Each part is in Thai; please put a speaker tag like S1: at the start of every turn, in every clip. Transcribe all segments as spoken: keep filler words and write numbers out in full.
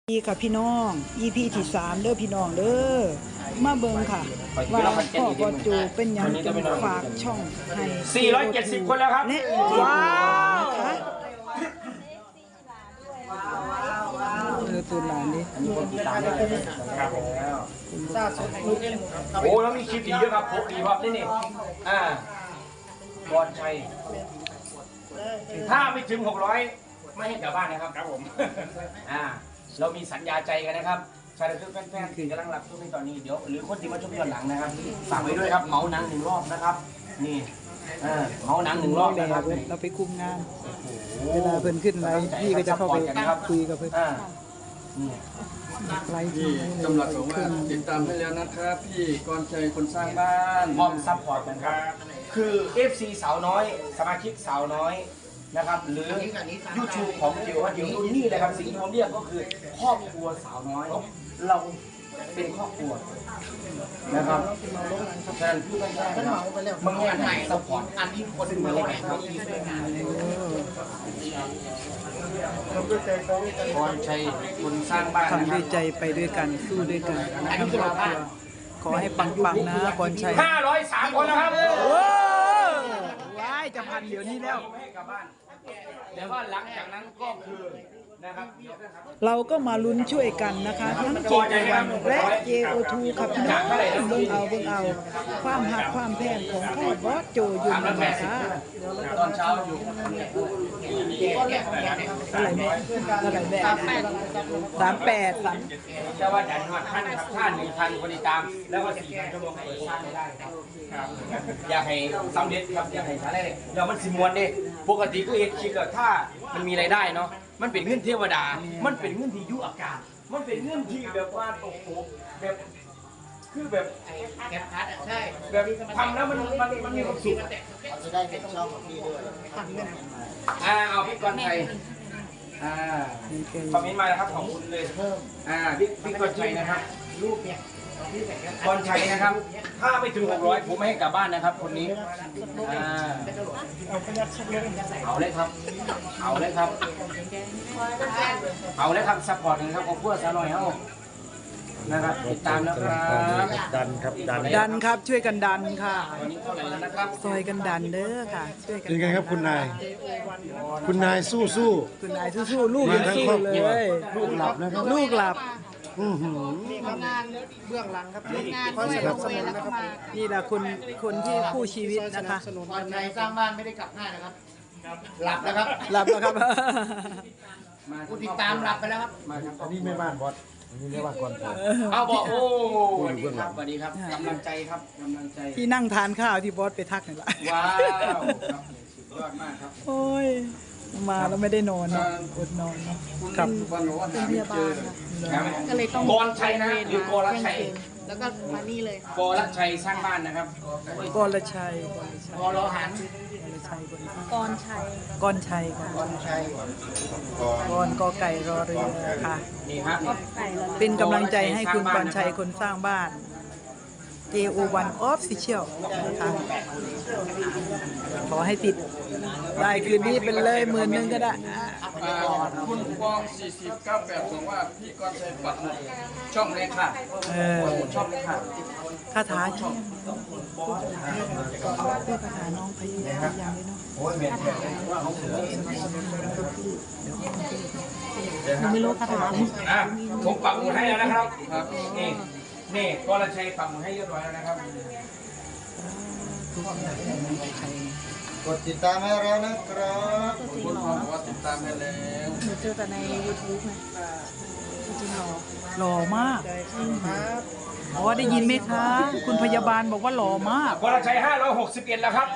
S1: ดีค่ะพี่น้อง อี พี ที่สามเด้อพี่น้องเด้อมาเบิ่งค่ะว่าพ่อบอจูเป็นหยังจึงฝากช่องให้
S2: สี่ร้อยเจ็ดสิบคนแล้วครับ
S1: และว้าวนะคะเออตัวหลานดิ
S2: ครับโอ้แล้วมีคลิปอีกเยอะครับพกดีครับนี่นี่อ่าบอลชัยถ้าไม่ถึงหกร้อยไม่ให้กลับบ้านนะครับครับผมอ่าเรามีสัญญาใจกันนะครับชายและแฟนๆคือกำลังรับชมในตอนนี้เดี๋ยวหรือคนที่มาชมย้อนหลังนะครับฝากไว้ด้วยครับเหมาหนังหนึ่งรอบนะครับนี่เออเหมาหนังหนึ่งรอบนะครับ
S1: เราไปคุมงานเวลาเพิ่นขึ้นไลฟ์พี่ก็จะเข้าไปคุยกับเพิ่นไลฟ์ที่
S3: กำลังบอกว่าติดตามให้แล้วนะครับพี่กรชัยคนสร้างบ้าน
S2: พร้อมซัพพอร์ตกันครับคือ เอฟ ซี สาวน้อยสมาชิกสาวน้อยนะครับหรือ ยูทูบ ของจิ๋วจิ๋วนี่เลยครับสิ่งที่ผมเรียกก็คือครอบครัวสาวน้อยเราเป็นครอบครัวนะครับฉะนั้นพี่แม่บางงานไหนซัพพอร์ตอันที่คนมาเลยครับพรชัยคนสร้างบ้าน
S1: ทำด้วยใจไปด้วยกันสู้ด้วยกันทั้งครอบครัวขอให้ปังๆนะพรชัย
S2: ห้าร้อยสามคนแล้วครับ
S1: ว้ายจะพันเดี๋ยวนี้แล้ว
S2: เดี๋ยวว่าหลังจากนั้นก็คือนะครับ
S1: เราก็มาลุ้นช่วยกันนะคะทั้ง เจ โอ วัน และ เจ โอ ทู ครับพี่น้องเบิ่งเอาเบิ่งเอาความหักความแพงของพ่อบอสโจยุนนะคะ
S2: ตอนเช้าอยู่
S1: อะไรแม่อะไรแม่สามแปดสาม
S2: จะว่าดันหอดท่านครับท่านหนึ่งพันคนติดตามแล้วก็สี่พันชั่วโมงเปิดสร้างไม่ได้ครับอยากให้สำเร็จครับอยากให้ชาได้เลยเดี๋ยวมันสิมวนดิปกติก็เห็นคิดว่าถ้ามันมีรายได้เนาะมันเป็นเงื่อนเทวดามันเป็นเงื่อนที่ยุอากาศมันเป็นเงื่อนที่แบบว่าโอ้โหแบบคือแบบแกะพัดใช่แบบทำแล้วมันมันมันมีความสุขจะได้เป็นช่องของพี่ด้วยอ่าเอาพี่กรชัยอ่าคอมเมนต์มานะครับของคุณเลยเพิ่มอ่าพี่พี่กรชัยนะครับรูปเนี่ยกรชัยนะครับถ้าไม่ถึงหกร้อยผมไม่ให้กลับบ้านนะครับคนนี้อ่าเอาเลยครับเอาเลยครับเอาเลยครับซัพพอร์ตกันครับขอบคุณสาวน้อยเฮานะครับติดตามนะครับ
S4: ดันครับดัน
S1: ดันครับช่วยกันดันค่ะ
S2: วันนี้เท่าไหร่แล้วนะครับ
S1: ซอยกันดันเด้อค่ะช่วยกัน
S4: ยังไงครับคุณนายคุณนายสู้สู้
S1: คุณนายสู้ๆลูกยังสู้เลย
S4: ลูกหลับนะครับ
S1: ลูกหลับ
S5: มีงานเบื้องหลังครับงานคอยสนับสนุนนะครับ
S1: นี่แหละคนคนที่คู่ชีวิตนะคะ
S5: วันไหนสร้างบ้านไม่ได้กลับง่ายนะครับหลับนะครับ
S1: หลับแล้วครับ
S5: ผู้ติดตามหลับไปแล้วครับ
S4: อันนี้ไม่บ้านบอสอันนี้ไม่บ้านก่อน
S2: เอาบอกโอ้สวัสดีครับสวัสดีครับกำลังใจครับกำลังใจ
S1: ที่นั่งทานข้าวที่บอสไปทักนี่แหละ
S2: ว้าวสุดยอดมากครับ
S1: โอ้ยมาแล้วไม่ได้นอนนะอดนอนนะครับ
S5: เป็นพยาบาลก็เลยต้อง
S2: กรชัยนะหรือกรชัย
S5: แล้วก็มานี่เลย
S2: กรชัยสร้างบ้านนะครับ
S1: กรชัย
S2: กรหัน
S5: กรชัย
S1: กรชัยค่ะ
S2: กรชัย
S1: กรกอไก่รอเรือค่ะ
S2: นี่ครับ
S1: เป็นกำลังใจให้คุณกรชัยคนสร้างบ้าน เจ โอ วัน Official นะคะขอให้ติดได้คืนนี้เป็นเลยหมื่นหนึ่งก็ได้
S3: คุณฟองสี่สิบเก้าแปดบอกว่าพี่กรชัยปักหมุดช่องเลยค่ะปักหมุดช่องเลยค่ะ
S1: คาถาช่องพูดคาถาน้องพยายามยังเลยเนาะ
S5: ไม่รู้คาถา
S2: ผมปักหมุดให้แล้วนะครับนี่นี่กรชัยปักหมุดให้เรียบร้อยแล้วนะครับ
S4: กดติดตามให้แล้วนะครับ
S3: คุณฟองบอกว่าติดตามให้แล้ว
S5: หนูเจอแต่ใน ยูทูบ ไงจริงหรอ
S1: หล่อมากอ๋อได้ยินไหมคะคุณพยาบาลบอกว่าหล่อมาก
S2: กรชัยห้าร้อยหกสิบเอ็ดแล้วครับ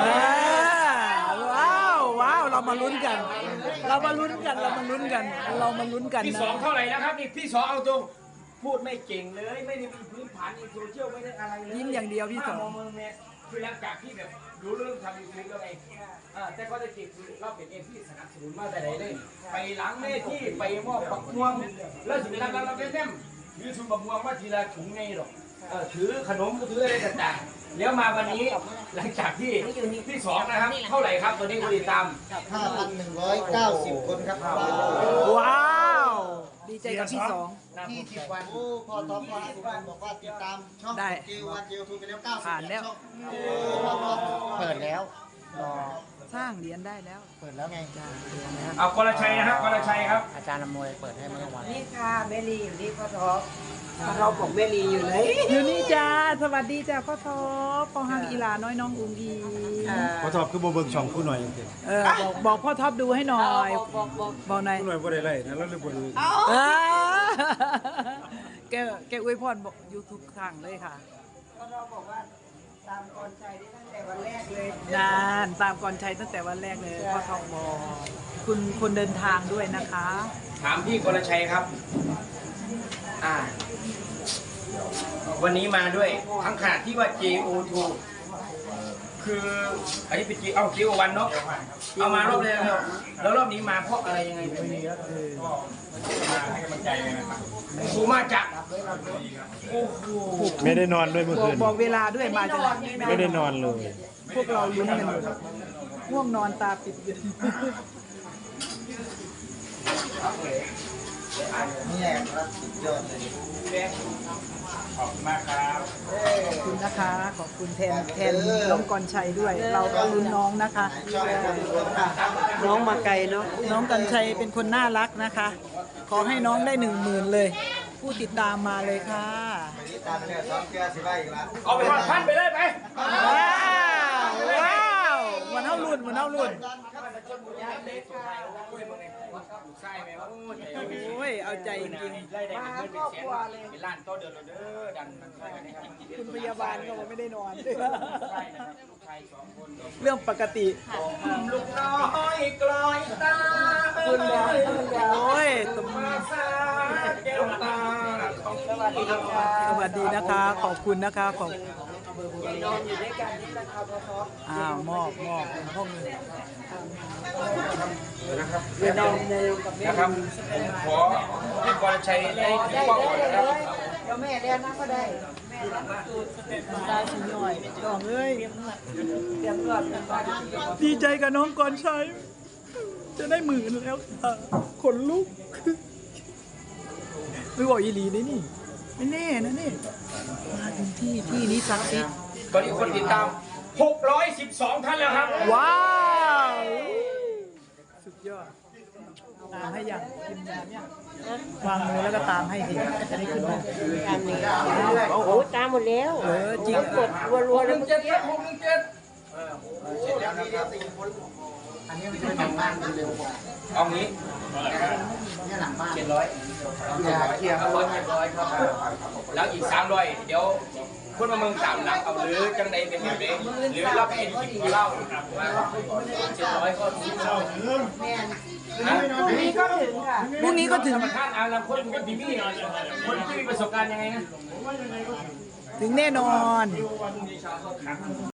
S1: ว้าวว้าวเรามาลุ้นกัน เรามาลุ้นกันเรามาลุ้นกันเรามาลุ้นกัน
S2: พี่สองเท่าไหร่แล้วครับนี่พี่สองเอาตรงพูดไม่เก่งเลยไม่ได้มีพื้นฐานในโซเชียลไม่ได้อะไรเลย
S1: ยิ้มอย่างเดียวพี่สอง
S2: คือหลังจากที่แบบรู้เรื่องทำยูทูบแล้วไงแต่ก็จะจิตเราเป็นเองที่สนับสนุนมาแต่ไหนเลยไปหลังเมที่ไปมอบปักม่วงแล้วถึงนั้นเราเป็นแม่ถือชุดปักม่วงมาทีละถุงไงหรอกถือขนมก็ถืออะไรต่างๆแล้วมาวันนี้หลังจากที่ที่สองนะครับเท่าไหร่ครับตัวนี้คนติดตาม
S4: ห้าพันหนึ่งร้อยเก้าสิบ คนครับ
S1: ว้าวดีดีใจกับพี่สอง
S5: ยี่สิบวัน
S4: โอ้พอท็อปว่าสุพรรณบอกว่าติดตามช่อง
S1: ได้
S4: เจวันเจทูไปแล้วเก้าสิบ
S1: ผ่านแล้ว
S4: ช่องโอ้พอท็อป
S5: เปิดแล้วรอ
S1: สร้างเหรียญได้แล้ว
S5: เปิดแล้วไง
S1: จ้าเหรียญแล้ว
S2: เอากรชัยนะครับกรชัยครับ
S5: อาจารย์อำนวยเปิดให้เมื่อวัน
S6: นี่ค่ะแม่ลีอยู่นี่พ่อท็อปพ่อท็อปบอกแม่ลีอยู่เลย
S1: อยู่นี่จ้าสวัสดีจ้าพ่อทอปอหังอีหลาน้อยน้องอุ้งอี
S7: พอทอบคือบ่เบิ่งช่องผู้หน่อยจังซี่
S1: เออบอกบอกพ่อท็อปดูให้หน่อย
S6: บอกบอกบอก
S1: บอกหน่อย
S7: ผู้หน่อยบ่ได้ไล่นะแล้วเลยบ่ดู
S1: อ่าแกแกอวยพรบอกยูทูบครั้งเลยค่ะ
S6: พ่อท็อปบอกว่าตามกรชัยได้ตั้งแต่วันแรกเลย
S1: นานตามกรชัยตั้งแต่วันแรกเลยพ่อทองบอกคุณคนเดินทางด้วยนะคะ
S2: ถามพี่กรชัยครับ อ่า วันนี้มาด้วยทั้งขนาดที่ว่า เจ โอ ทู คือ อันนี้เป็น J เอา เจ โอ วันเนาะ เอามารอบแรกแล้วแล้วรอบนี้มาเพราะอะไรยังไงไม่มีก็คือมาให้กำลังใจนะครับครูมาจากโอ้โห
S7: ไม่ได้นอนด้วยเมื่อ
S1: บอก
S7: คืน
S1: บอกเวลาด้วยมาจากไหน
S7: ไม่ได้นอนเลย
S1: พวกเราลุ้นกันอยู่ง่วงนอนตาปิดอยู่
S4: นี่แหละครับสุดยอดเลย
S2: ขอบคุณมากครับ
S1: ขอบคุณนะคะ ขอบคุณแทนแทนน้องกรชัยด้วย เราก็ลุ้นน้องนะคะ
S4: ช่องคนรวม
S1: ค่ะ
S6: น้องมาไกลเนาะ
S1: น้องกรชัยเป็นคนน่ารักนะคะ ขอให้น้องได้หนึ่งหมื่นเลย ผู้ติดตามมาเลยค่ะ
S4: วันนี้ตามไปเนี่ยสองเกลือสิบใบอีกแล้ว
S2: เอาไปทอดพันไปเลยไป
S1: ว้าวว้าวมันเท่ารุ่นมันเท่ารุ่นโอ้ยเอาใจจริง
S2: ไล่ได้เงินเป็นแสนเป็นล้านต่อเดือนเด้อดันมันช่วยกันให้กินกิน
S1: ๆคุณพยาบาลก็บอกไม่ได้นอน
S2: ใช่นะครับลูกชายสองคน
S1: เรื่องปกติ
S2: ลูกน้อยกลอยตา
S1: คุณแล้วโอ้ยตบมือ
S2: สาแก้วตา
S6: สวัสดีค่ะ
S1: สวัสดีนะคะ ขอบคุณนะคะขอบ
S6: นอนอยู่ด้วยกันนี่แหละค่ะพ่อท็อป
S1: อ้าวมอบมอบห้อง
S2: นะครับ
S6: เดี๋ยวนอนเร็วกับแม่
S2: นะครับผมขอพี่กรชัยได้ถือ
S6: ได้
S2: กล้อง
S6: ได้
S2: ก่อน
S6: ได้
S2: นะครับ
S6: เลยเดี๋ยวแม่เรียนนะก็ได้แม่รับสูตร
S1: ตาสีหน่อยดองเอ้ย
S6: เตรียมรอดกันก่อน
S1: ดีใจกับน้องกรชัยจะได้หมื่นแล้วค่ะขนลุกไม่บอกอีหลีนี่นี่ไม่แน่นะนี่มาถึงที่ที่นี้ศักดิ์สิทธิ์
S2: ตอนนี้คนติดตามหกร้อยสิบสองท่านแล้วครับ
S1: ว้าวสุดยอดตามให้ยังกินยาเนี่ยวางมือแล้วก็ตามให้สิจะได้ขึ้นมา
S6: ตามนี้โอ้โหตามหมดแล้ว
S1: เออจริง
S6: กดรัวๆเลยเมื่อกี้
S2: หกหนึ่งเจ็ด
S4: เสร็จแล้วนะครับอันนี้มันจะเป็นหลังบ้านเร็วกว่า
S2: เอางี้
S4: เนี่ยหลังบ้าน
S2: เจ็ดร้อย
S4: เคลียร์เคลียร์
S2: เอาร้อยเจ็ดร้อยครับแล้วอีกสามร้อยเดี๋ยวคนมาเมืองสามหลักเอาหรือจังใดเป็นแบบนี้หรือรับเป็นคลิปมาเล่าว่าเจ็ดร้อยก็ถึงเล่านะ
S6: พรุ่งนี้ก็ถึงค่ะ
S1: พรุ่งนี้ก็ถึง
S2: ธรรมชาติอาลังคนเป็นพี่พี่คนที่มีประสบการณ์ยังไงนะ
S1: ถึงแน่นอน